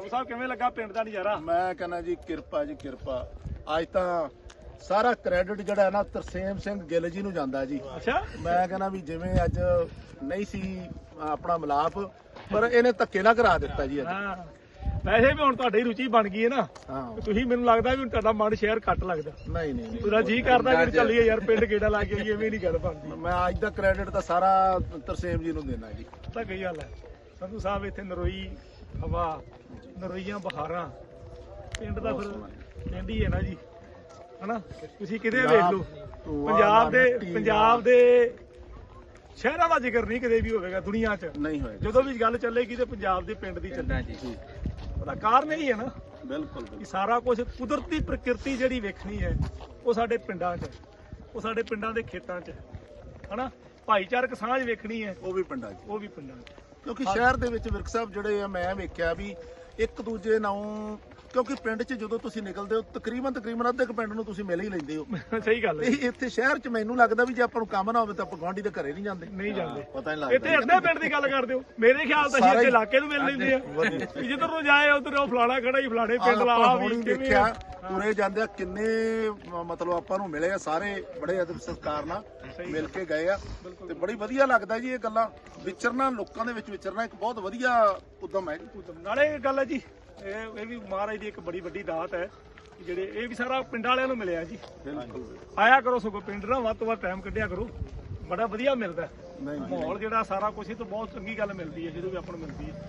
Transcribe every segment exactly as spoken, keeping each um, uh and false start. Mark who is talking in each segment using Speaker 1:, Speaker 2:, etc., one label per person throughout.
Speaker 1: ਸੰਧੂ ਸਾਹਿਬ ਕਿਵੇਂ ਲੱਗਾ ਪਿੰਡ ਦਾ ਨਜ਼ਾਰਾ?
Speaker 2: ਮੈਂ ਕਹਿੰਦਾ ਜੀ ਕਿਰਪਾ ਜੀ ਕਿਰਪਾ। ਅੱਜ ਤਾਂ ਸਾਰਾ ਕ੍ਰੈਡਿਟ ਜਿਹੜਾ ਹੈ ਨਾ ਤਰਸੇਮ ਸਿੰਘ ਗਿੱਲ ਜੀ ਨੂੰ ਜਾਂਦਾ ਜੀ।
Speaker 1: ਅੱਛਾ,
Speaker 2: ਮੈਂ ਕਹਿੰਦਾ ਵੀ ਜਿਵੇਂ ਅੱਜ ਨਹੀਂ ਸੀ ਆਪਣਾ ਮਿਲਾਪ, ਪਰ ਇਹਨੇ ਧੱਕੇ ਨਾ ਕਰਾ ਦਿੱਤਾ ਜੀ ਅੱਜ।
Speaker 1: ਹਾਂ ਵੈਸੇ ਵੀ ਹੁਣ ਤੁਹਾਡੀ ਰੁਚੀ ਬਣ ਗਈ ਹੈ ਨਾ,
Speaker 2: ਹਾਂ
Speaker 1: ਤੁਸੀਂ ਮੈਨੂੰ ਲੱਗਦਾ ਵੀ ਹੁਣ ਤੁਹਾਡਾ ਮਨ ਸ਼ਹਿਰ ਘੱਟ ਲੱਗਦਾ।
Speaker 2: ਨਹੀਂ ਨਹੀਂ
Speaker 1: ਪੂਰਾ ਜੀ ਕਰਦਾ ਕਿ ਚੱਲੀਏ ਯਾਰ ਪਿੰਡ ਗੇੜਾ ਲਾ ਕੇ ਆਈਏ, ਐਵੇਂ ਨਹੀਂ ਗੱਲ ਬਣਦੀ।
Speaker 2: ਮੈਂ ਅੱਜ ਦਾ ਕ੍ਰੈਡਿਟ ਤਾਂ ਸਾਰਾ ਤਰਸੇਮ ਜੀ ਨੂੰ ਦੇਣਾ ਜੀ।
Speaker 1: ਪਤਾ ਕੀ ਗੱਲ ਹੈ ਸੰਧੂ ਸਾਹਿਬ, ਇੱਥੇ ਨਰੋਈ ਹਵਾ, ਨਰੋਈਆਂ ਬਹਾਰਾਂ, ਪਿੰਡ ਦਾ ਫਿਰ ਪਿੰਡ ਹੀ ਹੈ ਨਾ ਜੀ, ਹਨਾ। ਤੁਸੀਂ ਕਿਤੇ ਵੇਖ ਲਓ ਪੰਜਾਬ ਦੇ ਪੰਜਾਬ ਦੇ ਸ਼ਹਿਰਾਂ ਦਾ ਜ਼ਿਕਰ ਨਹੀਂ ਕਿਤੇ ਵੀ ਹੋਵੇਗਾ ਦੁਨੀਆ 'ਚ,
Speaker 2: ਨਹੀਂ ਹੋਏਗਾ।
Speaker 1: ਜਦੋਂ ਵੀ ਗੱਲ ਚੱਲੇਗੀ ਤੇ ਪੰਜਾਬ ਦੇ ਪਿੰਡ ਦੀ ਚੱਲੇਗੀ ਜੀ। ਉਹਦਾ ਕਾਰਨ ਇਹੀ ਹੈ ਨਾ
Speaker 2: ਬਿਲਕੁਲ
Speaker 1: ਕਿ ਸਾਰਾ ਕੁਝ ਕੁਦਰਤੀ ਪ੍ਰਕਿਰਤੀ ਜਿਹੜੀ ਵੇਖਣੀ ਹੈ ਉਹ ਸਾਡੇ ਪਿੰਡਾਂ 'ਚ, ਉਹ ਸਾਡੇ ਪਿੰਡਾਂ ਦੇ ਖੇਤਾਂ 'ਚ, ਹਨਾ। ਭਾਈਚਾਰਕ ਸਾਂਝ ਵੇਖਣੀ ਹੈ
Speaker 2: ਉਹ ਵੀ ਪਿੰਡਾਂ 'ਚ,
Speaker 1: ਉਹ ਵੀ ਪਿੰਡਾਂ 'ਚ।
Speaker 2: ਕਿਉਂਕਿ ਸ਼ਹਿਰ ਦੇ ਵਿੱਚ ਵਿਰਕ ਸਾਹਿਬ ਜਿਹੜੇ ਆ ਮੈਂ ਵੇਖਿਆ ਵੀ ਇੱਕ ਦੂਜੇ ਨਾਲ, ਕਿਉਂਕਿ ਪਿੰਡ 'ਚ ਜਦੋਂ ਤੁਸੀਂ ਨਿਕਲਦੇ ਹੋ ਤਕਰੀਬਨ ਤਕਰੀਬਨ ਅੱਧੇ ਕੁ ਪਿੰਡ ਨੂੰ ਤੁਸੀਂ ਮਿਲ ਹੀ ਲੈਂਦੇ ਹੋ।
Speaker 1: ਸਹੀ ਗੱਲ ਹੈ।
Speaker 2: ਤੇ ਇੱਥੇ ਸ਼ਹਿਰ 'ਚ ਮੈਨੂੰ ਲੱਗਦਾ ਵੀ ਜੇ ਆਪਾਂ ਨੂੰ ਕੰਮ ਨਾ ਹੋਵੇ ਤਾਂ ਆਪਾਂ ਗੁਆਂਢੀ ਦੇ ਘਰੇ ਨਹੀਂ ਜਾਂਦੇ,
Speaker 1: ਨਹੀਂ ਜਾਂਦੇ।
Speaker 2: ਪਤਾ ਨਹੀਂ
Speaker 1: ਇੱਥੇ
Speaker 2: ਲੱਗਦਾ।
Speaker 1: ਅੱਧੇ ਪਿੰਡ ਦੀ ਗੱਲ ਕਰਦੇ ਹੋ, ਮੇਰੇ ਖਿਆਲ ਤਾਂ ਅਸੀਂ ਇੱਥੇ ਇਲਾਕੇ ਨੂੰ ਮਿਲ ਲੈਂਦੇ ਆ। ਜਿੱਧਰ ਨੂੰ ਜਾਏ ਉਧਰ ਉਹ ਫਲਾਣਾ ਖੜਾ ਹੀ ਫਲਾਣੇ ਪਿੰਡ ਲਾ ਆ ਵੀ
Speaker 2: ਦੇਖਿਆ ਤੁਰੇ ਜਾਂਦੇ ਆ ਕਿੰਨੇ ਮ- ਮਤਲਬ ਆਪਾਂ ਨੂੰ ਮਿਲੇ ਆ, ਸਾਰੇ ਬੜੇ ਅਦਬ ਸਤਿਕਾਰ ਨਾਲ ਮਿਲ ਕੇ ਗਏ ਆ ਤੇ ਬੜੀ ਵਧੀਆ ਲੱਗਦਾ ਜੀ ਇਹ ਗੱਲਾਂ ਵਿਚਰਨਾ, ਲੋਕਾਂ ਦੇ ਵਿੱਚ ਵਿਚਰਨਾ ਇੱਕ ਬਹੁਤ ਵਧੀਆ ਉਦਮ ਹੈ ਜੀ।
Speaker 1: ਨਾਲੇ ਇਹ ਗੱਲ ਹੈ ਜੀ, ਇਹ ਇਹ ਵੀ ਮਹਾਰਾਜ ਦੀ ਇੱਕ ਬੜੀ ਵੱਡੀ ਦਾਤ ਹੈ ਕਿ ਜਿਹੜੇ ਇਹ ਵੀ ਸਾਰਾ ਪਿੰਡ ਵਾਲਿਆਂ ਨੂੰ ਮਿਲਿਆ ਜੀ। ਆਇਆ ਕਰੋ ਸਗੋਂ ਪਿੰਡ ਨਾਲ ਵੱਧ ਤੋਂ ਵੱਧ ਟਾਈਮ ਕੱਢਿਆ ਕਰੋ, ਬੜਾ ਵਧੀਆ ਮਿਲਦਾ ਮਾਹੌਲ ਜਿਹੜਾ ਸਾਰਾ ਕੁਝ ਹੀ ਤਾਂ ਬਹੁਤ ਚੰਗੀ ਗੱਲ ਮਿਲਦੀ ਹੈ ਜਦੋਂ ਵੀ ਆਪਾਂ ਨੂੰ ਮਿਲਦੀ ਹੈ।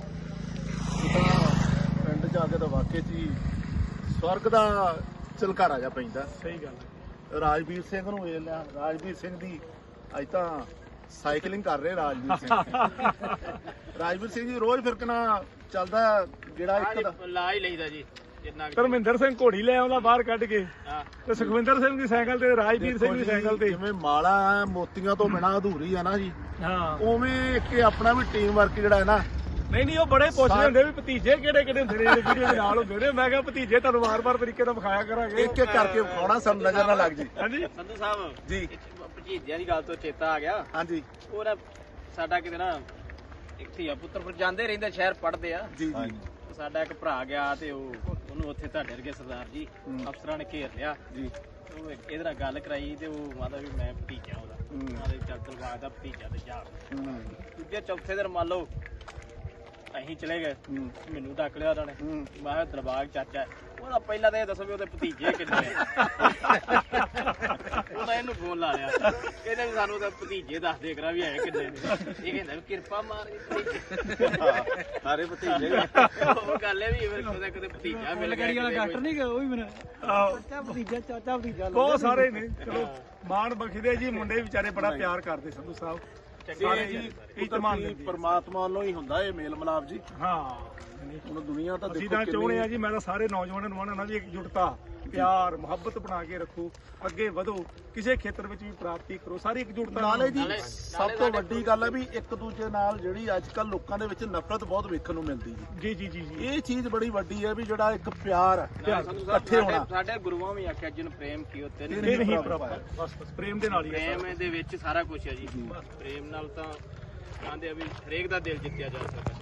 Speaker 2: ਤਾਂ ਪਿੰਡ ਜਾ ਕੇ ਤਾਂ ਵਾਕਈ ਜੀ ਸਵਰਗ ਦਾ ਝਲਕਾਰਾ ਜਾ ਪੈਂਦਾ।
Speaker 1: ਸਹੀ ਗੱਲ ਹੈ।
Speaker 2: ਰਾਜਵੀਰ ਸਿੰਘ ਨੂੰ ਵੇਖ ਲਿਆ, ਰਾਜਵੀਰ ਸਿੰਘ ਦੀ ਅੱਜ ਤਾਂ ਸਾਈਕਲਿੰਗ ਕਰ ਰਹੇ ਰਾਜਵੀਰ ਸਿੰਘ। ਰਾਜਵੀਰ ਸਿੰਘ ਜੀ ਰੋਜ਼ ਫਿਰ ਕਿਨਾ ਚੱਲਦਾ ਜਿਹੜਾ ਇੱਕ ਦਾ
Speaker 3: ਲਾ ਹੀ ਲਈਦਾ ਜੀ ਜਿੰਨਾ
Speaker 1: ਧਰਮਿੰਦਰ ਸਿੰਘ ਘੋੜੀ ਲੈ ਆਉਂਦਾ ਬਾਹਰ ਕੱਢ ਕੇ, ਤੇ ਸੁਖਵਿੰਦਰ ਸਿੰਘ ਦੀ ਸਾਈਕਲ ਤੇ, ਰਾਜਵੀਰ ਸਿੰਘ ਦੀ ਸਾਈਕਲ ਤੇ।
Speaker 2: ਜਿਵੇਂ ਮਾਲਾ ਹੈ ਮੋਤੀਆਂ ਤੋਂ ਬਿਨਾ ਅਧੂਰੀ ਆ ਨਾ ਜੀ,
Speaker 1: ਹਾਂ
Speaker 2: ਉਵੇਂ ਇੱਕ ਆਪਣਾ ਵੀ ਟੀਮ ਵਰਕ ਜਿਹੜਾ ਹੈ ਨਾ।
Speaker 1: ਨਹੀਂ ਨਹੀਂ ਉਹ ਬੜੇ ਪੁੱਛਦੇ ਹੁੰਦੇ ਵੀ ਭਤੀਜੇ ਕਿਹੜੇ ਕਿਹੜੇ ਹੁੰਦੇ ਨੇ ਵੀਡੀਓ ਦੇ ਨਾਲ ਹੁੰਦੇ ਨੇ। ਮੈਂ ਕਿਹਾ ਭਤੀਜੇ ਤੁਹਾਨੂੰ ਵਾਰ-ਵਾਰ ਤਰੀਕੇ ਨਾਲ ਵਿਖਾਇਆ ਕਰਾਂਗੇ,
Speaker 2: ਇੱਕ ਇੱਕ ਕਰਕੇ ਵਿਖਾਉਣਾ, ਸਾਨੂੰ ਨਜ਼ਰ ਨਾ ਲੱਗ ਜੀ।
Speaker 1: ਹਾਂਜੀ
Speaker 3: ਸੰਧੂ ਸਾਹਿਬ
Speaker 2: ਜੀ
Speaker 3: ਭਤੀਜਿਆਂ ਦੀ ਗੱਲ ਤੋਂ ਚੇਤਾ ਆ ਗਿਆ।
Speaker 2: ਹਾਂਜੀ
Speaker 3: ਉਹ ਨਾ ਸਾਡਾ ਕਿਤੇ ਨਾ ਇੱਕ ਧੀਆ ਪੁੱਤਰ ਫਿਰ ਜਾਂਦੇ ਰਹਿੰਦੇ ਸ਼ਹਿਰ ਪੜ੍ਹਦੇ ਆ।
Speaker 2: ਜੀ ਜੀ
Speaker 3: ਸਾਡਾ ਇੱਕ ਭਰਾ ਗਿਆ ਤੇ ਉਹ ਉਹਨੂੰ ਉੱਥੇ ਤੁਹਾਡੇ ਵਰਗੇ ਸਰਦਾਰ ਜੀ ਅਫਸਰਾਂ ਨੇ ਘੇਰ ਲਿਆ
Speaker 2: ਜੀ।
Speaker 3: ਉਹ ਇਹਦੇ ਨਾਲ ਗੱਲ ਕਰਾਈ ਤੇ ਉਹ ਮਾਤਾ ਵੀ ਮੈਂ ਭਤੀਜਾ ਉਹਦਾ, ਉਹਨਾਂ ਦੇ ਚੱਲ ਦਰਬਾਰ ਦਾ ਭਤੀਜਾ ਤੇ ਜਾ। ਦੂਜੇ ਚੌਥੇ ਦਿਨ ਮੰਨ ਲਓ ਅਸੀਂ ਚਲੇ ਗਏ, ਮੈਨੂੰ ਡੱਕ ਲਿਆ ਉਹਨਾਂ ਨੇ। ਮੈਂ ਕਿਹਾ ਦਰਬਾਰ ਚਾਚਾ, ਉਹਦਾ ਪਹਿਲਾਂ ਤਾਂ ਇਹ ਦੱਸੋ ਵੀ ਉਹਦੇ ਭਤੀਜੇ ਕਿੰਨੇ ਆ। ਉਹਦਾ ਇਹਨੂੰ ਫੋਨ ਲਾ ਲਿਆ, ਕਹਿੰਦੇ ਵੀ ਸਾਨੂੰ ਤਾਂ ਭਤੀਜੇ ਦੱਸ ਦੇ ਕਰਾ ਵੀ ਹੈ ਕਿੰਨੇ ਨੇ। ਇਹ ਕਹਿੰਦਾ ਵੀ ਕਿਰਪਾ ਮਾਰ
Speaker 2: ਸਾਰੇ ਭਤੀਜੇ।
Speaker 3: ਉਹ ਗੱਲ ਹੈ ਵੀ ਉਹਦਾ ਕਿਤੇ ਭਤੀਜਾ ਮਿਲ ਗਿਆ।
Speaker 1: ਡਾਕਟਰ ਨਹੀਂ ਗਿਆ ਉਹ ਵੀ ਮੈਨੂੰ ਚਾਚਾ ਭਤੀਜਾ ਚਾਚਾ ਭਤੀਜਾ ਬਹੁਤ ਸਾਰੇ ਨੇ। ਚਲੋ ਮਾਣ ਬਖਸ਼ਦੇ ਜੀ, ਮੁੰਡੇ ਵਿਚਾਰੇ ਬੜਾ ਪਿਆਰ ਕਰਦੇ ਸੰਧੂ ਸਾਹਿਬ। ਸਾਰੇ ਜੀ
Speaker 2: ਕੁਦਰਤੀ ਪਰਮਾਤਮਾ ਵੱਲੋਂ ਹੀ ਹੁੰਦਾ ਇਹ ਮੇਲ ਮਿਲਾਪ ਜੀ।
Speaker 1: ਹਾਂ
Speaker 2: ਹੁਣ ਦੁਨੀਆ ਤਾਂ
Speaker 1: ਅਸੀਂ
Speaker 2: ਦੇਖੋ
Speaker 1: ਤਾਂ ਚਾਹੁੰਦੇ ਆ ਜੀ, ਮੈਂ ਤਾਂ ਸਾਰੇ ਨੌਜਵਾਨਾਂ ਨੂੰ ਮੰਨਣਾ ਵੀ ਇਕਜੁੱਟਤਾ, ਪਿਆਰ, ਮੁਹੱਬਤ ਬਣਾ ਕੇ ਰੱਖੋ, ਅੱਗੇ ਵਧੋ, ਕਿਸੇ ਖੇਤਰ ਵਿੱਚ ਵੀ ਪ੍ਰਾਪਤੀ ਕਰੋ, ਸਾਰੀ ਇਕਜੁੱਟਤਾ
Speaker 2: ਨਾਲੇ ਜੀ
Speaker 3: ਨਾਲੇ-
Speaker 2: ਸਭ ਤੋਂ ਵੱਡੀ ਗੱਲ ਹੈ ਵੀ ਇੱਕ ਦੂਜੇ ਨਾਲ ਜਿਹੜੀ ਅੱਜ ਕੱਲ ਲੋਕਾਂ ਦੇ ਵਿੱਚ ਨਫ਼ਰਤ ਬਹੁਤ ਵੇਖਣ ਨੂੰ ਮਿਲਦੀ ਜੀ।
Speaker 1: ਜੀ ਜੀ ਜੀ ਜੀ
Speaker 2: ਇਹ ਚੀਜ਼ ਬੜੀ ਵੱਡੀ ਹੈ ਵੀ ਜਿਹੜਾ ਇੱਕ ਪਿਆਰ ਹੈ,
Speaker 3: ਸੰਧੂ ਸਾਹਿਬ
Speaker 2: ਇਕੱਠੇ ਹੋਣਾ।
Speaker 3: ਸਾਡੇ ਸਾਡੇ ਗੁਰੂਆਂ ਵੀ ਆਖਿਆ ਜਿਨ ਪ੍ਰੇਮ ਕੀਓ ਤਿਨ
Speaker 1: ਇਹ
Speaker 3: ਨਹੀਂ
Speaker 1: ਨਹੀਂ
Speaker 2: ਪ੍ਰਭ
Speaker 1: ਪ੍ਰਾਪਤ, ਬਸ ਬਸ ਪ੍ਰੇਮ ਦੇ ਨਾਲ ਹੀ ਹੈ
Speaker 3: ਪ੍ਰੇਮ ਦੇ ਵਿੱਚ ਸਾਰਾ ਕੁਝ ਹੈ ਜੀ। ਪ੍ਰੇਮ ਨਾਲ ਤਾਂ ਕਹਿੰਦੇ ਆ ਵੀ ਹਰੇਕ ਦਾ ਦਿਲ ਜਿੱਤਿਆ ਜਾ ਸਕਦਾ।